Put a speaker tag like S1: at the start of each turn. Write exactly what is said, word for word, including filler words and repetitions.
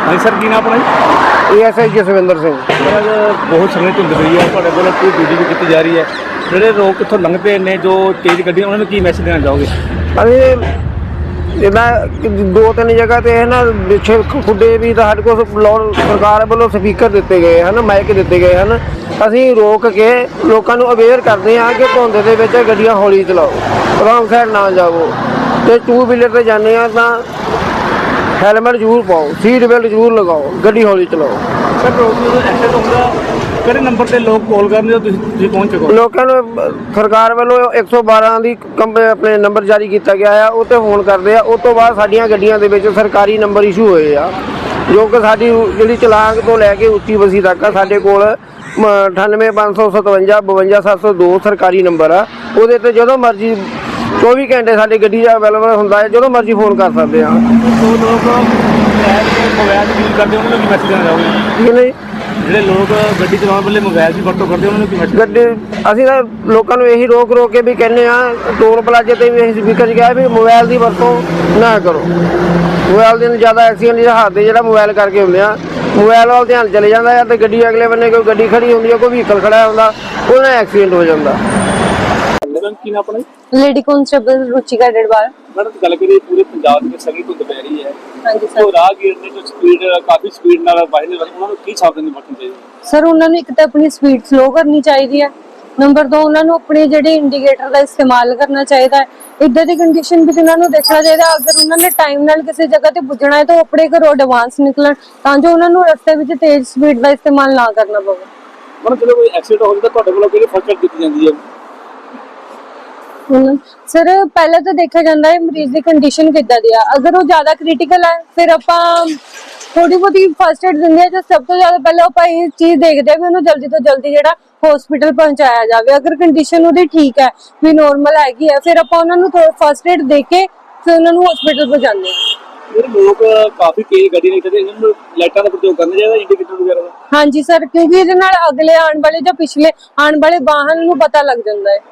S1: हाँ सर की नाम अपना
S2: A S I Jaswinder Singh.
S1: Sir बहुत समय धुंध पई है ਤੁਹਾਡੇ ਵੱਲੋਂ ਕੋਈ ਡਿਊਟੀ ਵੀ ਕੀਤੀ ਜਾ ਰਹੀ ਹੈ ਜਿਹੜੇ ਲੋਕ ਇੱਥੋਂ ਲੰਘਦੇ ਨੇ ਜੋ ਤੇਜ਼ ਗੱਡੀਆਂ ਉਹਨਾਂ ਨੂੰ ਕੀ ਮੈਸੇਜ ਦੇਣਾ ਚਾਹੋਗੇ?
S2: ਅਸੀਂ ਜਿੱਦਾਂ ਦੋ ਤਿੰਨ ਜਗ੍ਹਾ ਤੇ ਹੈ ਨਾ ਪਿੱਛੇ ਖੁੱਡੇ ਵੀ ਤਾਂ ਸਾਡੇ ਕੋਲ ਲਾਉਣ ਸਰਕਾਰ ਵੱਲੋਂ ਸਪੀਕਰ ਦਿੱਤੇ ਗਏ ਹਨ, ਮਾਈਕ ਦਿੱਤੇ ਗਏ ਹਨ। ਅਸੀਂ ਰੋਕ ਕੇ ਲੋਕਾਂ ਨੂੰ ਅਵੇਅਰ ਕਰਦੇ ਹਾਂ ਕਿ ਧੁੰਦ ਦੇ ਵਿੱਚ ਗੱਡੀਆਂ ਹੌਲੀ ਚਲਾਓ, ਰੌਂਗ ਸਾਈਡ ਨਾ ਜਾਵੋ, ਤੇ ਟੂ ਵੀਲਰ ਤੇ ਜਾਂਦੇ ਆ ਤਾਂ ਹੈਲਮਟ ਜ਼ਰੂਰ ਪਾਓ, ਸੀਟ ਬੈਲਟ ਜ਼ਰੂਰ ਲਗਾਓ, ਗੱਡੀ ਹੌਲੀ ਚਲਾਓ।
S1: ਸਰ ਰੋਡ ਜਦੋਂ ਐਕਸੀਡੈਂਟ ਹੁੰਦਾ ਕਿਹੜੇ ਨੰਬਰ ਤੇ ਲੋਕ ਕਾਲ ਕਰਦੇ ਹੋ ਤੁਸੀਂ ਤੁਸੀਂ ਪਹੁੰਚ ਚੁੱਕੋ?
S2: ਲੋਕਾਂ ਨੂੰ ਸਰਕਾਰ ਵੱਲੋਂ ਇੱਕ ਸੌ ਬਾਰਾਂ ਦੀ ਕੰਪ ਆਪਣੇ ਨੰਬਰ ਜਾਰੀ ਕੀਤਾ ਗਿਆ ਆ, ਉਹ 'ਤੇ ਫੋਨ ਕਰਦੇ ਆ। ਉਸ ਤੋਂ ਬਾਅਦ ਸਾਡੀਆਂ ਗੱਡੀਆਂ ਦੇ ਵਿੱਚ ਸਰਕਾਰੀ ਨੰਬਰ ਇਸ਼ੂ ਹੋਏ ਆ, ਜੋ ਕਿ ਸਾਡੀ ਜਿਹੜੀ ਚਲਾਕ ਤੋਂ ਲੈ ਕੇ ਉੱਚੀ ਬਸੀ ਤੱਕ ਆ ਸਾਡੇ ਕੋਲ ਅਠਾਨਵੇਂ ਪੰਜ ਸੌ ਸਤਵੰਜਾ ਬਵੰਜਾ ਸੱਤ ਸੌ ਦੋ ਸਰਕਾਰੀ ਨੰਬਰ ਆ। ਉਹਦੇ 'ਤੇ ਜਦੋਂ ਮਰਜ਼ੀ ਚੌਵੀ ਘੰਟੇ ਸਾਡੀ ਗੱਡੀ ਦਾ ਅਵੇਲੇਬਲ ਹੁੰਦਾ ਹੈ, ਜਦੋਂ ਮਰਜ਼ੀ ਫੋਨ ਕਰ ਸਕਦੇ ਹਾਂ।
S1: ਜੋ ਲੋਕ ਮੋਬਾਈਲ ਯੂਜ਼ ਕਰਦੇ ਉਹਨਾਂ ਨੂੰ ਕੀ ਮੈਸੇਜ ਦੇਣਾ ਚਾਹੋਗੇ?
S2: ਠੀਕ ਨਹੀਂ
S1: ਜਿਹੜੇ ਲੋਕ ਗੱਡੀ ਚਲਾਉਣ ਵੇਲੇ ਮੋਬਾਈਲ ਦੀ ਵਰਤੋਂ ਕਰਦੇ ਉਹਨਾਂ ਨੂੰ ਕੀ ਮੈਸੇਜ?
S2: ਗੱਡੀ ਅਸੀਂ ਤਾਂ ਲੋਕਾਂ ਨੂੰ ਇਹੀ ਰੋਕ ਰੋਕ ਕੇ ਵੀ ਕਹਿੰਦੇ ਆ, ਟੋਲ ਪਲਾਜ਼ੇ ਤੇ ਵੀ ਅਸੀਂ ਸਪੀਕਰ 'ਚ ਕਿਹਾ ਵੀ ਮੋਬਾਈਲ ਦੀ ਵਰਤੋਂ ਨਾ ਕਰੋ। ਮੋਬਾਈਲ ਦੇ ਜ਼ਿਆਦਾ ਐਕਸੀਡੈਂਟ ਜਿਹੜਾ ਹਾਦਸੇ ਜਿਹੜਾ ਮੋਬਾਈਲ ਕਰਕੇ ਹੁੰਦੇ ਆ, ਮੋਬਾਈਲ ਵੱਲ ਧਿਆਨ ਚਲੇ ਜਾਂਦਾ ਹੈ ਤੇ ਗੱਡੀ ਅਗਲੇ ਬੰਨੇ ਕੋਈ ਗੱਡੀ ਖੜੀ ਹੁੰਦੀ ਹੈ, ਕੋਈ ਵਹੀਕਲ ਖੜਾ ਹੁੰਦਾ, ਉਹਦੇ ਨਾਲ ਐਕਸੀਡੈਂਟ ਹੋ ਜਾਂਦਾ।
S1: ਕੀ ਨਾਮ ਆਪਣਾ?
S3: Lady constable Ruchika Dedwal.
S1: Madam गल करिए पूरे पंजाब में सभी धुंध पै रही है
S3: हाँ जी
S1: तो राहगीर ने जो स्पीड काफी स्पीड नाल वाहन उन्होंने की सावधानी बरतनी चाहिए?
S3: सर उन्होंने एक तो अपनी स्पीड स्लो करनी चाहिए है, नंबर दो उन्होंने अपने जेडे इंडिकेटर का इस्तेमाल करना चाहिए है। इधर की कंडीशन भी उन्होंने देखना चाहिए, अगर उन्होंने टाइम नाल किसी जगह ते पुजना है तो अपने घरों एडवांस निकलन ताकि उन्होंने रस्ते में तेज स्पीड का इस्तेमाल ना करना पवे।
S1: मैडम चलो कोई एक्सीडेंट हो जाता ਤੁਹਾਡੇ ਵੱਲੋਂ ਕਿਹੜੀ ਫਸਟ ਏਡ ਦਿੱਤੀ ਜਾਂਦੀ ਹੈ?
S3: सर पहले तो देखा जाता है मरीज की कंडीशन किदा दी है, अगर वो ज्यादा क्रिटिकल है फिर आप थोड़ी बहुत फर्स्ट एड देंगे। तो सब तो ज्यादा पहले आप ये चीज देखते हैं भी उन्हें जल्दी तो जल्दी जो हॉस्पिटल पहुंचाया जाए। अगर कंडीशन वो ठीक है भी नॉर्मल हैगी है फिर आप उन्होंने फर्स्ट एड दे के फिर उन्होंने हॉस्पिटल पहुंचाते हैं।
S1: लोग काफी तेज ਗੱਡੀ ਨਹੀਂ ਕਰਦੇ, ਇਹਨਾਂ ਨੂੰ ਲਾਈਟਾਂ ਦਾ ਪ੍ਰਯੋਗ ਕਰਨਾ ਚਾਹੀਦਾ, ਇੰਡੀਕੇਟਰ ਵਗੈਰਾ ਦਾ।
S3: हाँ जी सर, क्योंकि ਇਹਦੇ ਨਾਲ ਅਗਲੇ ਆਉਣ ਵਾਲੇ ਜਾਂ ਪਿਛਲੇ ਆਉਣ ਵਾਲੇ ਵਾਹਨ ਨੂੰ ਪਤਾ ਲੱਗ ਜਾਂਦਾ ਹੈ।